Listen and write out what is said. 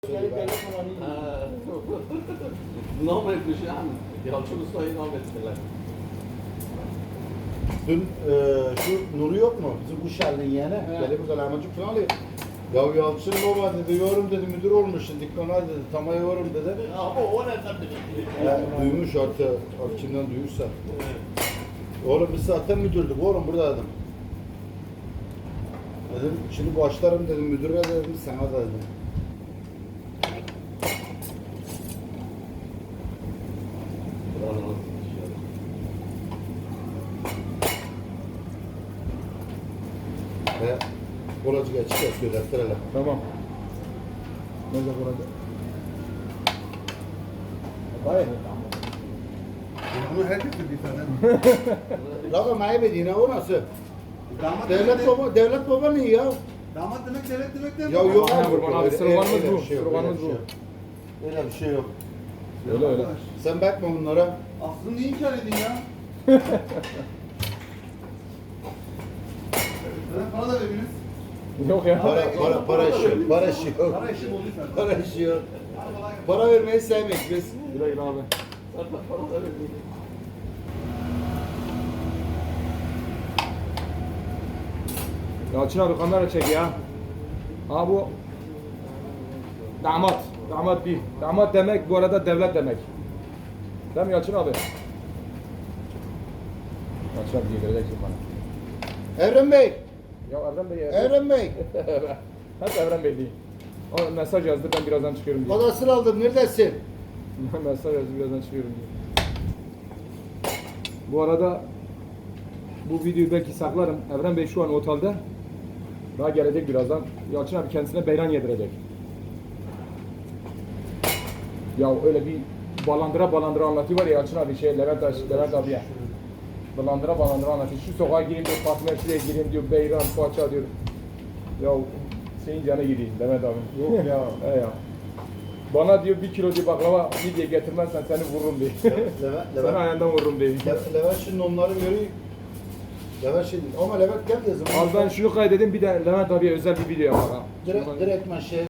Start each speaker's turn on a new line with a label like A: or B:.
A: Normal kuşağın Yalçın Usta'yı nam ettiler.
B: Dün şu Nuri yok mu? Bizim Kuşerli'nin yeğeni. Gelip burada lahmacun falan alıyor. Ya Yalçın baba dedi, yorum dedi, müdür olmuşsun, dikkana dedi, tamaya yorum dedi.
A: Ama o nereden bilir?
B: Duymuş artık kimden duyursa. Oğlum biz zaten müdürdük, oğlum burada dedim. Dedim, şimdi başlarım dedim, müdüre dedim, sana da dedim. He, kolacı geçik yapıyor, defterle.
C: Tamam. Nerede burada?
B: Hayır.
D: Bunu herkes bir tane.
B: Raba maybediğine o nasıl?
D: Damat
B: Devlet baba ne ya?
D: Damat demek devlet demek değil mi?
B: Ya yok
C: Aynen
B: abi,
C: kurban abi,
B: öyle-
C: sırmanız
B: öyle
C: bu,
B: bir şey yok,
C: sırmanız
B: öyle bir şey
C: bu.
B: yok. Öyle bir şey yok.
C: Öyle öyle.
B: Sen bakma bunlara.
D: Aslında niye inkar edin ya? Bana da veriniz.
C: Yok ya.
B: Para işi yok. Para işi yok.
D: Para işi bulduysan.
B: Para işi yok. Para vermeyi sevmek biz.
C: Güle güle abi. Yalçın abi kamera çek ya. Ha bu damat. Damat bir. Damat demek bu arada devlet demek. Değil mi Yalçın abi? Yalçın abi diye vereceksin bana.
B: Evren Bey.
C: Ya Evren Bey ya.
B: Evren Bey.
C: Hep Evren Bey değil. O mesaj yazdı ben birazdan çıkıyorum diye.
B: Odasını aldım. Neredesin?
C: Mesaj yazdı birazdan çıkıyorum diye. Bu arada bu videoyu belki saklarım. Evren Bey şu an otelde. Daha gelecek birazdan. Yalçın abi kendisine beyran yedirecek. Ya öyle bir balandıra anlatıyor var ya Yalçın abi Levent abiye. Balandıra anlatıyor. Şu sokağa gireyim diyor, Fatma Erşi'ye gireyim diyor, beyran, poğaça diyor. Ya senin canı gideyim Levent abi.
B: Yok ya.
C: He ya. Bana diyor 1 kilo diyor baklava midye getirmezsen seni vururum diye. Seni ayağından vururum diye.
B: Levent şimdi onları görüyor. Levent şimdi ama Levent gel yazım.
C: Al ben şunu kaydedeyim bir de Levent abiye özel bir video yapar ha.
B: Direktmen şey